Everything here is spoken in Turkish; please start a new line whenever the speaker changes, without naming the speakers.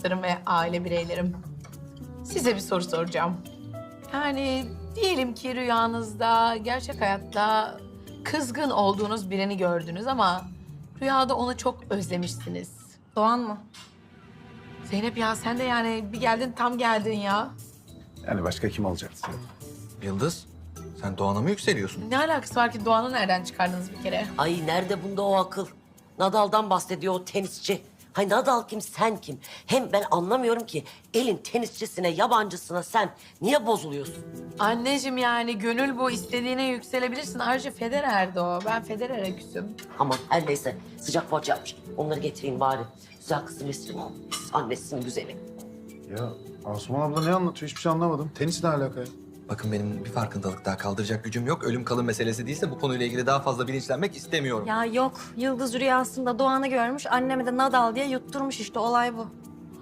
dostlarım ve aile bireylerim. Size bir soru soracağım. Yani diyelim ki rüyanızda, gerçek hayatta kızgın olduğunuz birini gördünüz ama rüyada onu çok özlemişsiniz.
Doğan mı?
Zeynep ya sen de yani bir geldin tam geldin ya.
Yani başka kim olacaktı?
Yıldız, sen Doğan'a mı yükseliyorsun?
Ne alakası var ki Doğan'ı nereden çıkardınız bir kere?
Ay nerede bunda o akıl? Nadal'dan bahsediyor o tenisçi. Hay Nadal kim, sen kim? Hem ben anlamıyorum ki elin tenisçisine, yabancısına sen niye bozuluyorsun?
Anneciğim yani gönül bu istediğine yükselebilirsin. Ayrıca Federer'di o. Ben Federer'e küsüm.
Aman her neyse sıcak poğaça yapmış. Onları getireyim bari. Güzel kızım Nesrin. Annesinin güzeli.
Ya Asuman abla ne anlatıyor? Hiçbir şey anlamadım. Tenis ne alaka ya?
Bakın benim bir farkındalık daha kaldıracak gücüm yok. Ölüm kalım meselesi değilse bu konuyla ilgili daha fazla bilinçlenmek istemiyorum.
Ya yok. Yıldız rüyasında Doğan'ı görmüş. Anneme de Nadal diye yutturmuş işte. Olay bu.